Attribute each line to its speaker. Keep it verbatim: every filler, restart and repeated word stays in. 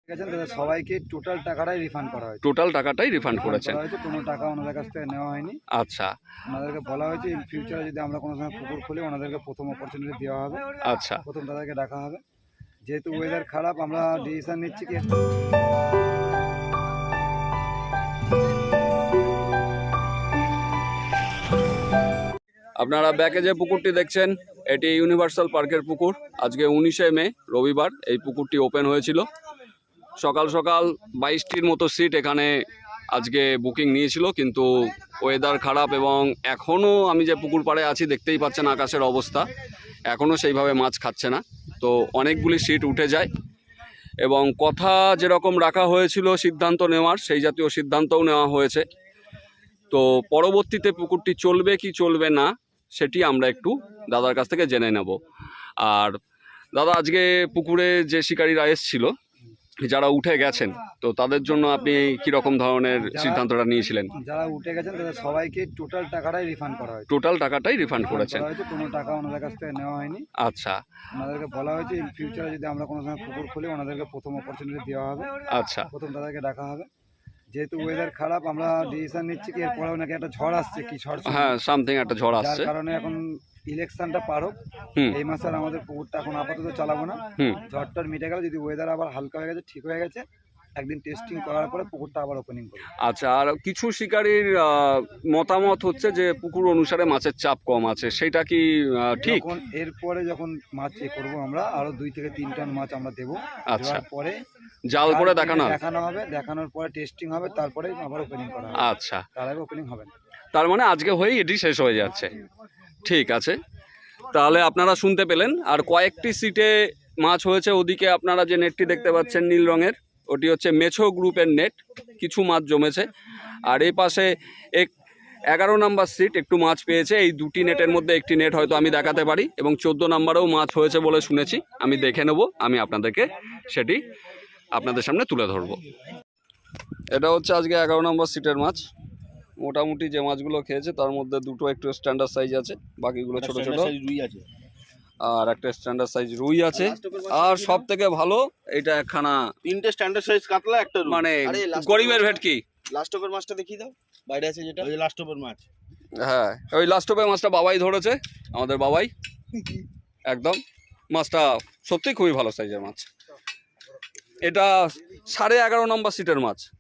Speaker 1: সবাইকে টোটাল টাকাটাই রিফান্ড করা হয়েছে।
Speaker 2: টোটাল টাকাটাই রিফান্ড করেছেন?
Speaker 1: কোনো টাকা ওনাদের কাছ থেকে নেওয়া হয়নি।
Speaker 2: আচ্ছা,
Speaker 1: ওনাদেরকে বলা হয়েছে ইন ফিউচারে যদি আমরা কোনো সময় পুকুর খুলি ওনাদেরকে প্রথম অপরচুনিটি দেওয়া হবে।
Speaker 2: আচ্ছা,
Speaker 1: প্রথম তাদেরকে ডাকা হবে। যেহেতু ওয়েদার খারাপ আমরা ডিসিশন নিচ্ছি কি
Speaker 2: আপনারা ব্যাকে যে পুকুরটি দেখছেন এটি ইউনিভার্সাল পার্কের পুকুর। আজকে উনিশে মে রবিবার এই পুকুরটি ওপেন হয়েছিল। সকাল সকাল বাইশটির মতো সিট এখানে আজকে বুকিং নিয়েছিল, কিন্তু ওয়েদার খারাপ এবং এখনও আমি যে পুকুর পাড়ে আছি দেখতেই পাচ্ছেন আকাশের অবস্থা, এখনও সেইভাবে মাছ খাচ্ছে না। তো অনেকগুলি সিট উঠে যায় এবং কথা যেরকম রাখা হয়েছিল সিদ্ধান্ত নেওয়ার, সেই জাতীয় সিদ্ধান্তও নেওয়া হয়েছে। তো পরবর্তীতে পুকুরটি চলবে কি চলবে না সেটি আমরা একটু দাদার কাছ থেকে জেনে নেব। আর দাদা, আজকে পুকুরে যে শিকারীরা এসেছিল যারা উঠে গেছেন, তো তাদের জন্য আপনি কি রকম ধরনের সিদ্ধান্তটা নিয়েছিলেন?
Speaker 1: যারা উঠে গেছেন তাদের সবাইকে টোটাল টাকাটাই রিফান্ড করা হয়েছে।
Speaker 2: টোটাল টাকাটাই রিফান্ড করেছেন?
Speaker 1: কোনো টাকা ওনাদের কাছ থেকে নেওয়া হয়নি।
Speaker 2: আচ্ছা,
Speaker 1: ওনাদেরকে বলা হয়েছে ইন ফিউচারে যদি আমরা কোনো সময় পুকুর খুলি ওনাদেরকে প্রথম অপরচুনিটি দেওয়া হবে।
Speaker 2: আচ্ছা,
Speaker 1: প্রথম তাদেরকে ডাকা হবে। যেহেতু ওয়েদার খারাপ আমরা ডিসিশন নিচ্ছি কি এরপরেও নাকি একটা ঝড় আসছে, কি ঝড়,
Speaker 2: হ্যাঁ সামথিং একটা ঝড়
Speaker 1: যার
Speaker 2: আসছে।
Speaker 1: কারণে এখন ইলেকশনটা পার হোক, এই মাসে আর আমাদের পুকুরটা এখন আপাতত চালাবো না। ঝড়টার মিটে গেল, যদি ওয়েদার আবার হালকা হয়ে গেছে, ঠিক হয়ে গেছে, একদিন টেস্টিং করার পরে পুকুরটা আবার ওপেনিং করব।
Speaker 2: আচ্ছা, আর কিছু শিকারীর মতামত হচ্ছে যে পুকুর অনুসারে মাছের চাপ কম আছে, সেটা কি ঠিক?
Speaker 1: যখন এরপরে যখন মাছ এ করবো আমরা আরো দুই থেকে তিন টন মাছ আমরা দেবো।
Speaker 2: আচ্ছা,
Speaker 1: পরে
Speaker 2: জাল করে দেখানো
Speaker 1: দেখানো হবে, দেখানোর পরে টেস্টিং হবে, তারপরে আবার ওপেনিং করা হবে।
Speaker 2: আচ্ছা,
Speaker 1: তার আগে ওপেনিং হবে না।
Speaker 2: তার মানে আজকে হয়েই এটি শেষ হয়ে যাচ্ছে। ঠিক আছে, তাহলে আপনারা শুনতে পেলেন। আর কয়েকটি সিটে মাছ হয়েছে। ওদিকে আপনারা যে নেটটি দেখতে পাচ্ছেন নীল রঙের, ওটি হচ্ছে মেছো গ্রুপের নেট, কিছু মাছ জমেছে। আর এই পাশে এক এগারো নাম্বার সিট একটু মাছ পেয়েছে। এই দুটি নেটের মধ্যে একটি নেট হয়তো আমি দেখাতে পারি, এবং চোদ্দো নাম্বারেও মাছ হয়েছে বলে শুনেছি। আমি দেখে নেব, আমি আপনাদেরকে সেটি আপনাদের সামনে তুলে ধরবো। এটা হচ্ছে আজকে এগারো নম্বর সিটের মাছ। মোটামুটি যে মাছগুলো খেয়েছে তার মধ্যে দুটো একটু স্ট্যান্ডার্ড সাইজ আছে, বাকিগুলো ছোট ছোট, আর একটা স্ট্যান্ডার্ড সাইজ রুই আছে। আর সব থেকে ভালো এটা একখানা
Speaker 3: তিনটে স্ট্যান্ডার্ড সাইজ কাতলা, একটা
Speaker 2: মানে গরিবের ভেটকি।
Speaker 3: লাস্ট ওভার মাছটা দেখিয়ে দাও, বাইরে আছে যেটা, ওই লাস্ট ওভার মাছ।
Speaker 2: হ্যাঁ, ওই লাস্ট ওভার মাছটা বাবাই ধরেছে, আমাদের বাবাই। একদম মাছটা সত্যি খুবই ভালো সাইজের মাছ। এটা সাড়ে এগারো নম্বর সিটের মাছ।